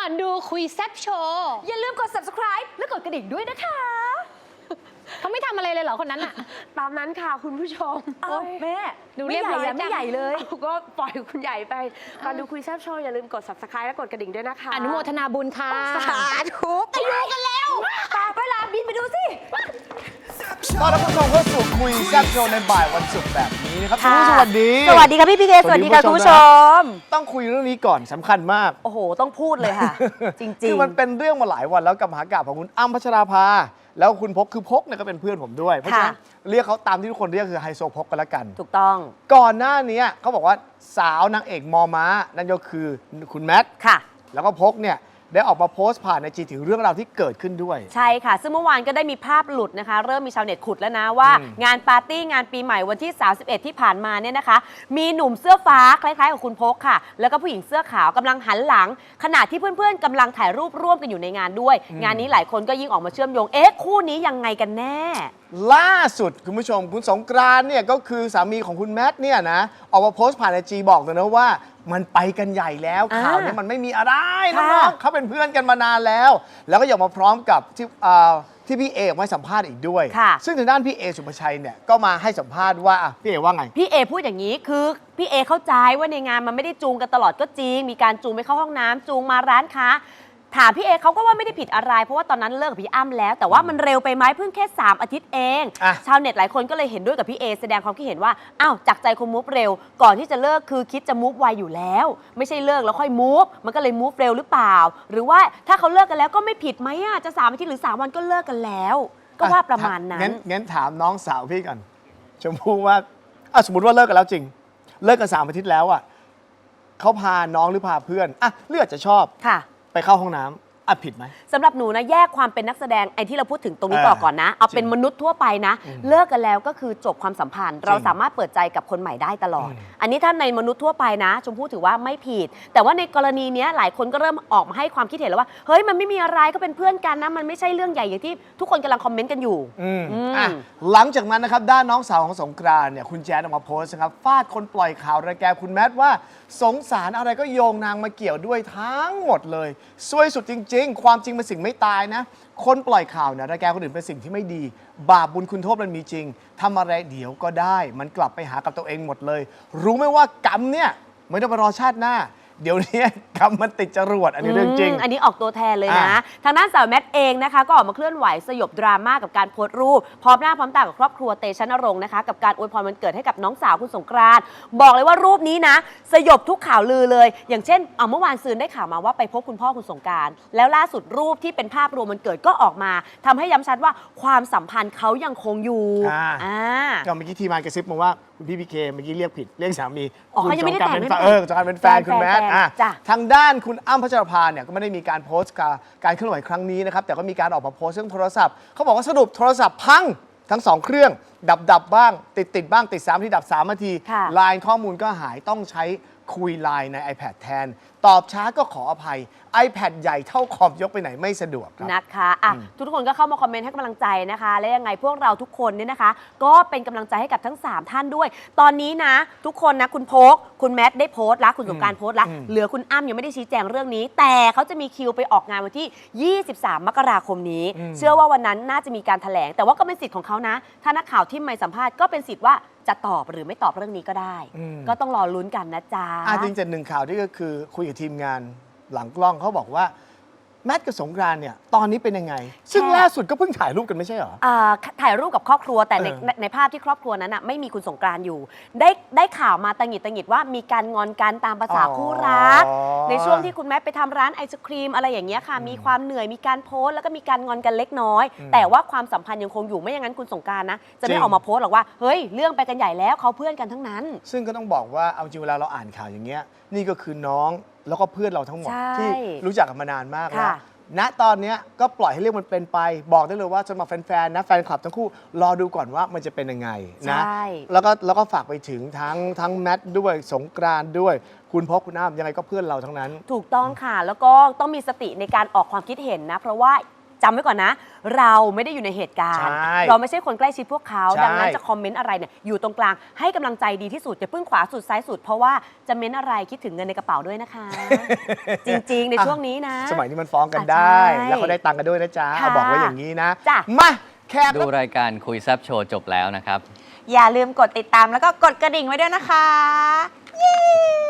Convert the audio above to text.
อนดูคุยแซ่บโชว์อย่าลืมกด subscribe และกดกระดิ่งด้วยนะคะเขาไม่ทำอะไรเลยเหรอคนนั้นอะตามนั้นค่ะคุณผู้ชม แม่ดูไม่เรียบใหญ่ร้อยอะไม่จังใหญ่เลยก็ปล่อยคุณใหญ่ไปก่อนดูคุยแซ่บโชว์อย่าลืมกด subscribe และกดกระดิ่งด้วยนะคะอนุโมทนาบุญค่ะสาธุไปดูกันแล้วตามไปลาบินไปดูสิต้อนรับผู้ชมเข้าสู่คุยแซ่บโชว์ในบ่ายวันศุกร์แบบนี้นะครับคุณผู้ชมสวัสดีสวัสดีค่ะพี่พีเคสวัสดีค่ะคุณผู้ชมต้องคุยเรื่องนี้ก่อนสำคัญมากโอ้โหต้องพูดเลยค่ะ จริงๆคือมันเป็นเรื่องมาหลายวันแล้วกับมหากาพย์ของคุณอ้ำพัชราภาแล้วคุณพกคือพกเนี่ยก็เป็นเพื่อนผมด้วยเพราะฉะนั้นเรียกเขาตามที่ทุกคนเรียกคือไฮโซพกกันละกันถูกต้องก่อนหน้านี้เขาบอกว่าสาวนางเอกมอม้านั่นก็คือคุณแมทค่ะแล้วก็พกเนี่ยได้ออกมาโพสต์ผ่านในจีถึงเรื่องราวที่เกิดขึ้นด้วยใช่ค่ะ ซึ่งเมื่อวานก็ได้มีภาพหลุดนะคะ เริ่มมีชาวเน็ตขุดแล้วนะว่า งานปาร์ตี้งานปีใหม่วันที่ 31 ที่ผ่านมาเนี่ยนะคะ มีหนุ่มเสื้อฟ้าคล้ายๆกับคุณพกค่ะ แล้วก็ผู้หญิงเสื้อขาวกำลังหันหลัง ขณะที่เพื่อนๆกำลังถ่ายรูปร่วมกันอยู่ในงานด้วย งานนี้หลายคนก็ยิ่งออกมาเชื่อมโยงคู่นี้ยังไงกันแน่ล่าสุดคุณผู้ชมคุณสงกรานต์เนี่ยก็คือสามีของคุณแมทเนี่ยนะออกมาโพสต์ผ่านไอจีบอกเลยนะว่ามันไปกันใหญ่แล้วข่าวนี้มันไม่มีอะไรน้องๆเขาเป็นเพื่อนกันมานานแล้ว แล้วก็อยากมาพร้อมกับที่พี่เอออกมาให้สัมภาษณ์อีกด้วย ซึ่งทางด้านพี่เอสุภชัยเนี่ยก็มาให้สัมภาษณ์ว่าพี่เอว่าไงพี่เอพูดอย่างนี้คือพี่เอเข้าใจว่าในงานมันไม่ได้จูงกันตลอดก็จริงมีการจูงไปเข้าห้องน้ำจูงมาร้านค้าถามพี่เอเขาก็ว่าไม่ได้ผิดอะไรเพราะว่าตอนนั้นเลิกกับพี่อ้ำแล้วแต่ว่ามันเร็วไปไหมเพิ่งแค่3 อาทิตย์เองชาวเน็ตหลายคนก็เลยเห็นด้วยกับพี่เอแสดงความคิดเห็นว่าอ้าวจากใจคนมูฟเร็วก่อนที่จะเลิกคือคิดจะมูฟไวอยู่แล้วไม่ใช่เลิกแล้วค่อยมูฟมันก็เลยมูฟเร็วหรือเปล่าหรือว่าถ้าเขาเลิกกันแล้วก็ไม่ผิดไหมจะ3 อาทิตย์หรือ3 วันก็เลิกกันแล้วก็ว่าประมาณนั้นงั้นถามน้องสาวพี่ก่อนชมพู่ว่าสมมติว่าเลิกกันแล้วจริงเลิกกัน3 อาทิตย์แล้วเขาพาน้องหรือพาเพื่อนเลือกจะชอบไปเข้าห้องน้ำผิดไหมสำหรับหนูนะแยกความเป็นนักแสดงไอ้ที่เราพูดถึงตรงนี้ต่อก่อนนะเอาเป็นมนุษย์ทั่วไปนะเลิกกันแล้วก็คือจบความสัมพันธ์เราสามารถเปิดใจกับคนใหม่ได้ตลอดอันนี้ถ้าในมนุษย์ทั่วไปนะชมพู่ถือว่าไม่ผิดแต่ว่าในกรณีนี้หลายคนก็เริ่มออกมาให้ความคิดเห็นแล้วว่าเฮ้ยมันไม่มีอะไรก็เป็นเพื่อนกันนะมันไม่ใช่เรื่องใหญ่อย่างที่ทุกคนกำลังคอมเมนต์กันอยู่หลังจากนั้นนะครับด้านน้องสาวของสงกรานต์เนี่ยคุณแจ๊ดออกมาโพสต์นะครับฟาดคนปล่อยข่าวระแกคุณแมทว่าสงสารอะไรก็โยงนางมาเกี่ยวด้วยทั้งหมดเลยซวยสุดจริงๆความจริงเป็นสิ่งไม่ตายนะคนปล่อยข่าวเนี่ยระแกคนอื่นเป็นสิ่งที่ไม่ดีบาปบุญคุณโทษมันมีจริงทำอะไรเดี๋ยวก็ได้มันกลับไปหากับตัวเองหมดเลยรู้ไหมว่ากรรมเนี่ยไม่ต้องไปรอชาติหน้าเดี๋ยวนี้กรรมมันติดจรวดอันนี้เรื่องจริงอันนี้ออกตัวแทนเลยนะทางด้านสาวแมทเองนะคะก็ออกมาเคลื่อนไหวสยบดราม่ากับการโพสต์รูปพร้อมหน้าพร้อมตากับครอบครัวเตชะนรงค์นะคะกับการอวยพรวันเกิดให้กับน้องสาวคุณสงกรานต์บอกเลยว่ารูปนี้นะสยบทุกข่าวลือเลยอย่างเช่นเมื่อวานซืนได้ข่าวมาว่าไปพบคุณพ่อคุณสงกรานต์แล้วล่าสุดรูปที่เป็นภาพรวมวันเกิดก็ออกมาทำให้ย้ำชัดว่าความสัมพันธ์เขายังคงอยู่ก็เมื่อกี้ทีมงานกระซิบมาว่าคุณพี่พีเคเมื่อกี้เรียกผิดเรียกสามีเขายังไม่ได้แต่งสงกรานต์เป็นแฟนคุณแมททางด้านคุณอ้ำพัชราภาเนี่ยก็ไม่ได้มีการโพสต์การเคลื่อนไหวครั้งนี้นะครับแต่ก็มีการออกมาโพสต์เรื่องโทรศัพท์เขาบอกว่าสรุปโทรศัพท์พังทั้ง2 เครื่องดับบ้างติดบ้างติด3 ทีดับ3 นาทีไลน์ข้อมูลก็หายต้องใช้คุยไลน์ใน iPad แทนตอบช้าก็ขออภัย iPad ใหญ่เท่าคอมยกไปไหนไม่สะดวกครับนะคะทุกคนก็เข้ามาคอมเมนต์ให้กำลังใจนะคะและยังไงพวกเราทุกคนเนี่ยนะคะก็เป็นกำลังใจให้กับทั้ง3 ท่านด้วยตอนนี้นะทุกคนนะคุณพกคุณแมทได้โพสต์แล้วคุณสงกรานต์โพสต์แล้วเหลือคุณอ้ำยังไม่ได้ชี้แจงเรื่องนี้แต่เขาจะมีคิวไปออกงานวันที่23 มกราคมนี้เชื่อว่าวันนั้นน่าจะมีการแถลงแต่ว่าก็เป็นสิทธิ์ของเขานะถ้านักข่าวที่ไม่สัมภาษณ์ก็เป็นสิทธิ์ว่าจะตอบหรือไม่ตอบเรื่องนี้ก็ได้ก็ต้องรอลุ้นกันนะจ๊ะจริงๆ1 ข่าวที่ก็คือคุยกับทีมงานหลังกล้องเขาบอกว่าแมทกับสงกรานต์เนี่ยตอนนี้เป็นยังไงซึ่งล่าสุดก็เพิ่งถ่ายรูปกันไม่ใช่เหรอถ่ายรูปกับครอบครัวแต่ในภาพที่ครอบครัวนั้นไม่มีคุณสงกรานต์อยู่ได้ข่าวมาตังหงิดว่ามีการงอนกันตามภาษาคู่รักในช่วงที่คุณแมทไปทำร้านไอศครีมอะไรอย่างเงี้ยค่ะมีความเหนื่อยมีการโพสต์แล้วก็มีการงอนกันเล็กน้อยแต่ว่าความสัมพันธ์ยังคงอยู่ไม่อย่างนั้นคุณสงกรานต์นะจะไม่ออกมาโพสต์หรอกว่าเฮ้ยเรื่องไปกันใหญ่แล้วเขาเพื่อนกันทั้งนั้นซึ่งก็ต้องบอกว่าเอาจริงเวลาเราอ่านข่าวอย่างเงี้ยนี่ก็คือน้องแล้วก็เพื่อนเราทั้งหมดที่รู้จักกันมานานมากแล้วณตอนนี้ก็ปล่อยให้เรื่องมันเป็นไปบอกได้เลยว่าสำหรับแฟนๆนะแฟนคลับทั้งคู่รอดูก่อนว่ามันจะเป็นยังไงนะแล้วก็ฝากไปถึงทั้งแมทด้วยสงกรานต์ด้วยคุณพกคุณอ้ำยังไงก็เพื่อนเราทั้งนั้นถูกต้องค่ะแล้วก็ต้องมีสติในการออกความคิดเห็นนะเพราะว่าจำไว้ก่อนนะ เราไม่ได้อยู่ในเหตุการณ์ใช่เราไม่ใช่คนใกล้ชิดพวกเขาใช่ดังนั้นจะคอมเมนต์อะไรเนี่ยอยู่ตรงกลางให้กำลังใจดีที่สุดอย่าเพิ่งขวาสุดซ้ายสุดเพราะว่าจะเม้นอะไรคิดถึงเงินในกระเป๋าด้วยนะคะ จริงๆ ในช่วงนี้นะสมัยนี้มันฟ้องกันได้ใช่แล้วเขาได้ตังค์กันด้วยนะจ๊ะค่ะเอาบอกไว้อย่างนี้นะจ้ะมาแขกดูรายการคุยแซบโชว์จบแล้วนะครับอย่าลืมกดติดตามแล้วก็กดกระดิ่งไว้ด้วยนะคะ เย้